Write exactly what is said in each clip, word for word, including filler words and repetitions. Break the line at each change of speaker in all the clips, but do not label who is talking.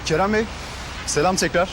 Kerem Bey, selam tekrar.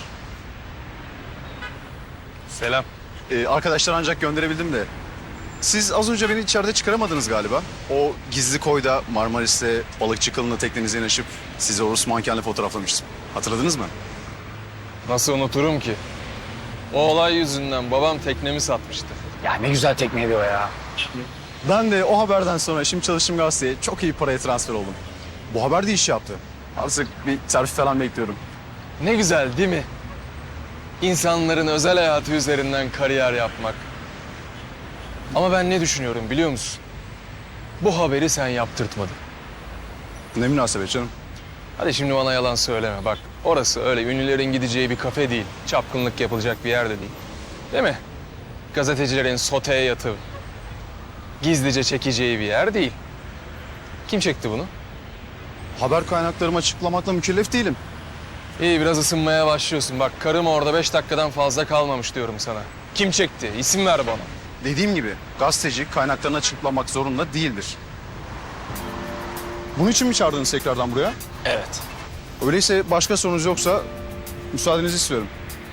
Selam.
Ee, arkadaşlar ancak gönderebildim de. Siz az önce beni içeride çıkaramadınız galiba. O gizli koyda Marmaris'te balıkçı kılığına teknenize yanaşıp sizi o Rus mankenle fotoğraflamıştım. Hatırladınız mı?
Nasıl unuturum ki? O olay yüzünden babam teknemi satmıştı.
Ya ne güzel tekneydi o ya.
Ben de o haberden sonra şimdi çalıştığım gazeteye çok iyi paraya transfer oldum. Bu haber de iş yaptı. Artık bir terfi falan bekliyorum.
Ne güzel değil mi? İnsanların özel hayatı üzerinden kariyer yapmak. Ama ben ne düşünüyorum biliyor musun? Bu haberi sen yaptırtmadın.
Ne münasebet canım.
Hadi şimdi bana yalan söyleme. Bak orası öyle ünlülerin gideceği bir kafe değil. Çapkınlık yapılacak bir yer de değil. Değil mi? Gazetecilerin soteye yatıp gizlice çekeceği bir yer değil. Kim çekti bunu?
Haber kaynaklarımı açıklamakla mükellef değilim.
İyi biraz ısınmaya başlıyorsun. Bak karım orada beş dakikadan fazla kalmamış diyorum sana. Kim çekti? İsim ver bana.
Dediğim gibi gazeteci kaynaklarını açıklamak zorunda değildir. Bunun için mi çağırdınız tekrardan buraya?
Evet.
Öyleyse başka sorunuz yoksa müsaadenizi istiyorum.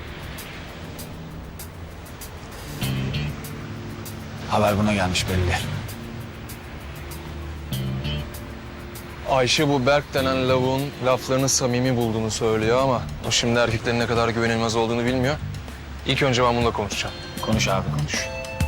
Haber buna gelmiş belli.
Ayşe bu Berk denen lavuğun laflarını samimi bulduğunu söylüyor ama o şimdi erkeklerin ne kadar güvenilmez olduğunu bilmiyor. İlk önce ben bununla konuşacağım.
Konuş abi konuş.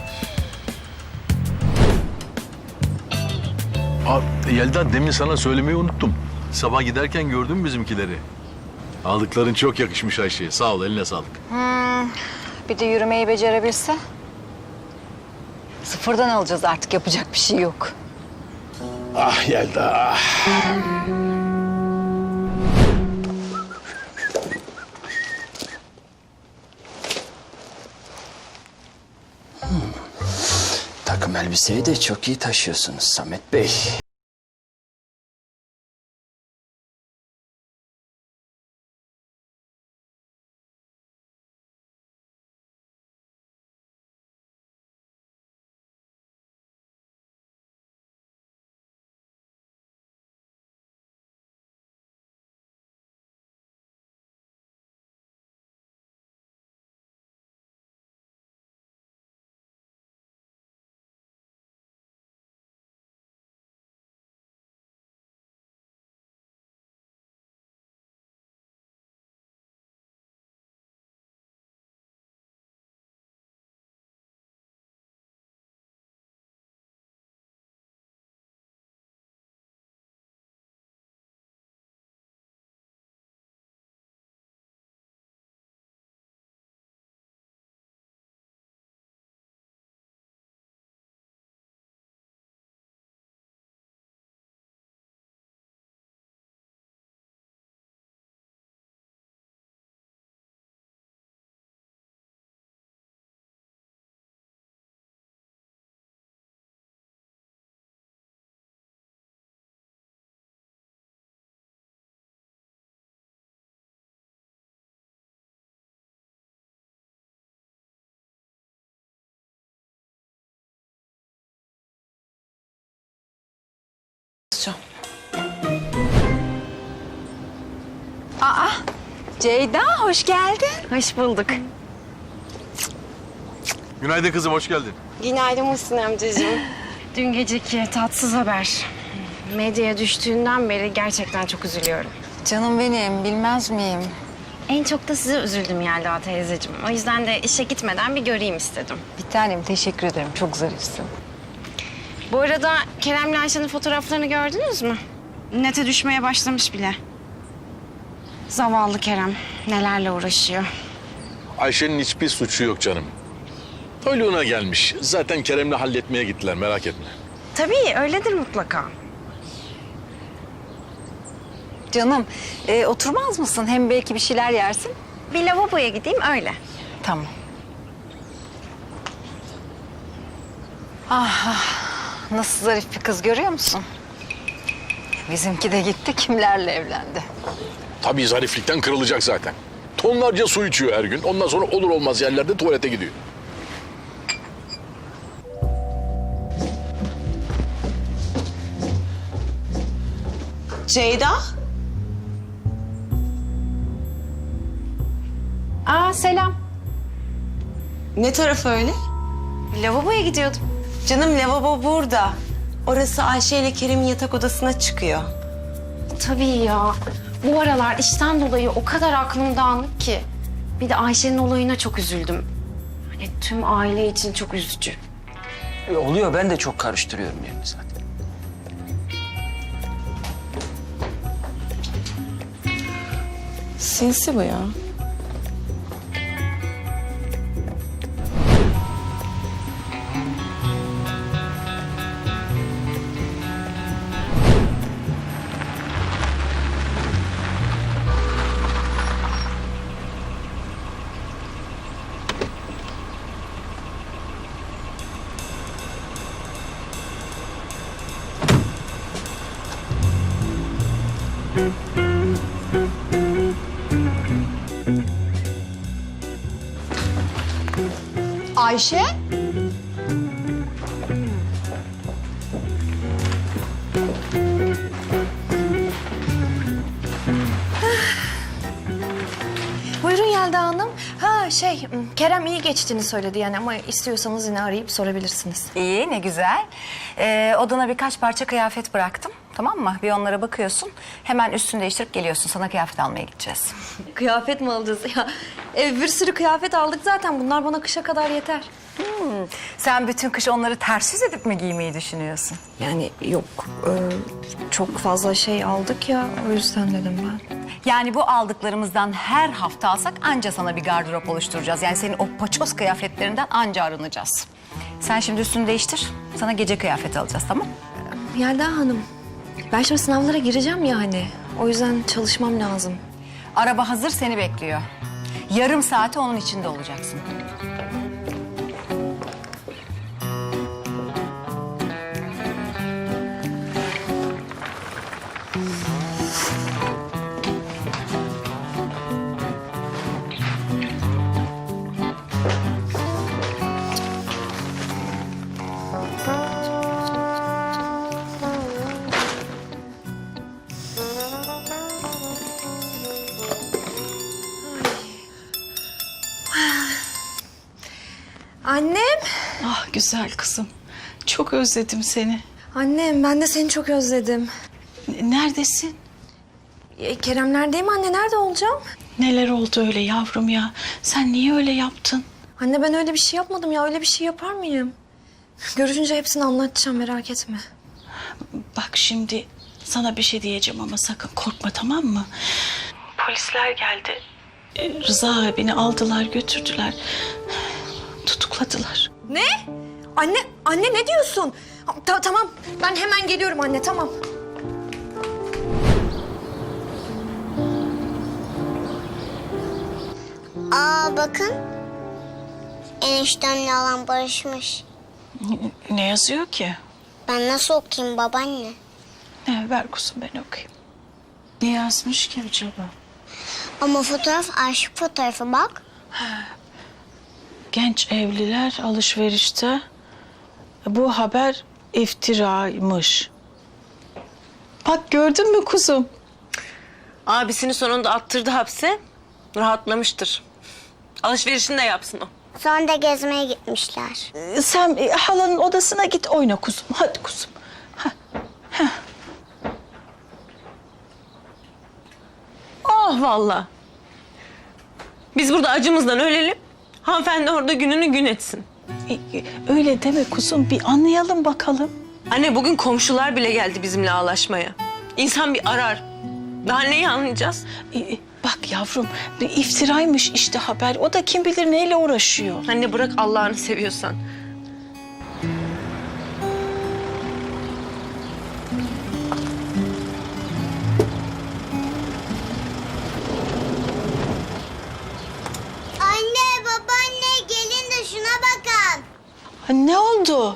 Aa, Yelda demin sana söylemeyi unuttum. Sabah giderken gördüm bizimkileri. Aldıkların çok yakışmış Ayşe'ye. Sağ ol, eline sağlık.
Bir de yürümeyi becerebilse. Sıfırdan alacağız artık, yapacak bir şey yok.
Ah Yelda, ah.
Takım elbiseyi de çok iyi taşıyorsunuz Samet Bey.
Ceyda, hoş geldin.
Hoş bulduk.
Günaydın kızım, hoş geldin.
Günaydın Muhsin amcacığım. Dün geceki tatsız haber. Medyaya düştüğünden beri gerçekten çok üzülüyorum.
Canım benim, bilmez miyim?
En çok da size üzüldüm Yelda teyzeciğim. O yüzden de işe gitmeden bir göreyim istedim.
Bir tanem, teşekkür ederim. Çok zarifsin.
Bu arada Kerem'le Ayşe'nin fotoğraflarını gördünüz mü? Nete düşmeye başlamış bile. Zavallı Kerem nelerle uğraşıyor.
Ayşe'nin hiçbir suçu yok canım. Toyluğuna gelmiş. Zaten Kerem'le halletmeye gittiler, merak etme.
Tabii öyledir mutlaka.
Canım, e, oturmaz mısın? Hem belki bir şeyler yersin.
Bir lavaboya gideyim öyle.
Tamam. Ah, ah, nasıl zarif bir kız görüyor musun? Bizimki de gitti, kimlerle evlendi.
Tabii zariflikten kırılacak zaten. Tonlarca su içiyor her gün. Ondan sonra olur olmaz yerlerde tuvalete gidiyor.
Ceyda?
Aa selam.
Ne tarafı öyle?
Lavaboya gidiyordum.
Canım lavabo burada. Orası Ayşe ile Kerem'in yatak odasına çıkıyor.
Tabii ya. Bu aralar işten dolayı o kadar aklım dağınık ki. Bir de Ayşe'nin olayına çok üzüldüm. Hani tüm aile için çok üzücü.
E, oluyor, ben de çok karıştırıyorum yani zaten.
Sinsi bu ya.
Ayşe?
Buyurun Yelda Hanım. Ha şey, Kerem iyi geçtiğini söyledi yani ama istiyorsanız yine arayıp sorabilirsiniz.
İyi, ne güzel. Ee, odana birkaç parça kıyafet bıraktım. Tamam mı? Bir onlara bakıyorsun. Hemen üstünü değiştirip geliyorsun. Sana kıyafet almaya gideceğiz.
Kıyafet mi alacağız ya? Ev bir sürü kıyafet aldık zaten. Bunlar bana kışa kadar yeter.
Hmm. Sen bütün kış onları ters yüz edip mi giymeyi düşünüyorsun?
Yani yok, e, çok fazla şey aldık ya. O yüzden dedim ben.
Yani bu aldıklarımızdan her hafta alsak anca sana bir gardırop oluşturacağız. Yani senin o paçoz kıyafetlerinden anca arınacağız. Sen şimdi üstünü değiştir. Sana gece kıyafeti alacağız, tamam?
Yelda Hanım, ben şimdi sınavlara gireceğim ya hani. O yüzden çalışmam lazım.
Araba hazır, seni bekliyor. Yarım saate onun içinde olacaksın.
Annem,
Ah güzel kızım. Çok özledim seni.
annem ben de seni çok özledim.
N- Neredesin?
E, Keremlerdeyim anne, nerede olacağım?
Neler oldu öyle yavrum ya? Sen niye öyle yaptın?
Anne ben öyle bir şey yapmadım ya, öyle bir şey yapar mıyım? Görüşünce hepsini anlatacağım, merak etme.
Bak şimdi sana bir şey diyeceğim ama sakın korkma, tamam mı? Polisler geldi. Ee, Rıza abini aldılar götürdüler. Tutukladılar.
Ne? Anne, anne ne diyorsun? Ta- tamam, ben hemen geliyorum anne, tamam.
Aa bakın. Eniştemle alan barışmış.
Ne yazıyor ki?
Ben nasıl okuyayım babaanne?
Ne, ver kuzum ben okuyayım. Ne yazmış ki acaba?
Ama fotoğraf arşiv fotoğrafı bak.
Genç evliler alışverişte. Bu haber iftiraymış. Bak gördün mü kuzum?
Abisini sonunda attırdı hapse. Rahatlamıştır. Alışverişini de yapsın o.
Sonra da gezmeye gitmişler.
Ee, Sen e, halanın odasına git oyna kuzum. Hadi kuzum.
Oh vallahi. Biz burada acımızdan ölelim. Hanımefendi orada gününü gün etsin.
E, e, Öyle deme kuzum. Bir anlayalım bakalım.
Anne bugün komşular bile geldi bizimle ağlaşmaya. İnsan bir arar. Daha neyi anlayacağız?
E, e, Bak yavrum, bir iftiraymış işte haber. O da kim bilir neyle uğraşıyor.
Anne bırak Allah'ını seviyorsan.
Anne, babaanne gelin de şuna bakın.
Ha, ne oldu?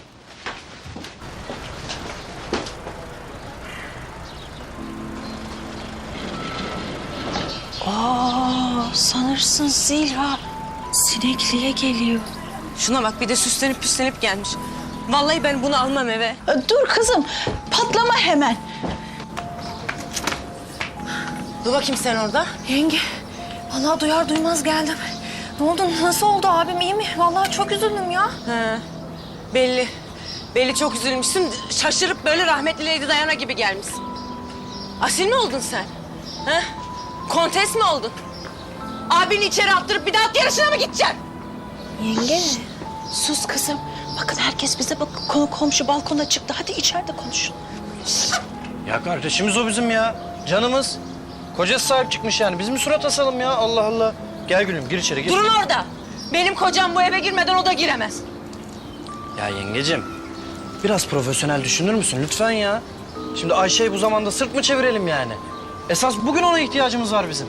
Aa, sanırsın Zilha Sinekli'ye geliyor.
Şuna bak bir de süslenip püslenip gelmiş. Vallahi ben bunu almam eve.
E, Dur kızım, patlama hemen.
Dur bakayım sen orada.
Yenge,
Vallahi duyar duymaz geldim. Ne oldu? Nasıl oldu abim? İyi mi? Vallahi çok üzüldüm ya.
He, belli. Belli çok üzülmüşsün. Şaşırıp böyle rahmetli Lady Diana gibi gelmişsin. Asil mi oldun sen? He? Kontes mi oldun? Abini içeri attırıp bir daha at yarışına mı gideceksin?
Yenge. Sus kızım. Bakın herkes bize bak. Konu komşu balkona çıktı. Hadi içeride konuşun.
Ya kardeşimiz o bizim ya. Canımız. Kocası sahip çıkmış yani. Biz mi surat asalım ya? Allah Allah. Gel gülüm gir içeri gir.
Durun orada. Benim kocam bu eve girmeden o da giremez.
Ya yengecim. Biraz profesyonel düşünür müsün lütfen ya? Şimdi Ayşe'yi bu zamanda sırt mı çevirelim yani? Esas bugün ona ihtiyacımız var bizim.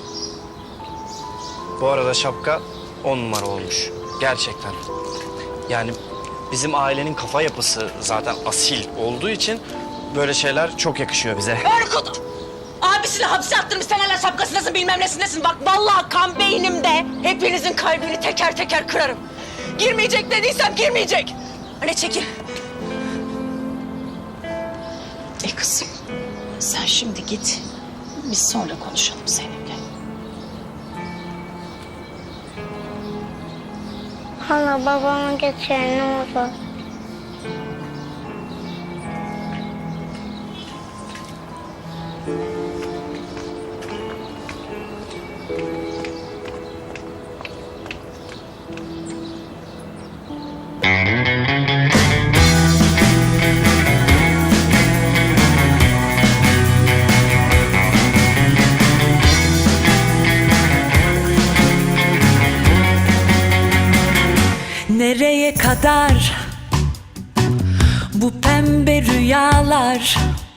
Bu arada şapka on numara olmuş. Gerçekten. Yani bizim ailenin kafa yapısı zaten asil olduğu için böyle şeyler çok yakışıyor bize.
Erkut! Abisini hapse attırmış, sen hala şapkasındasın, bilmem nesindesin. Bak vallahi kan beynimde hepinizin kalbini teker teker kırarım. Girmeyecek dediysem girmeyecek. Anne çekil.
E kızım sen şimdi git. Biz sonra konuşalım seninle.
Hala babamı getir ne olur.
Nereye kadar bu pembe rüyalar?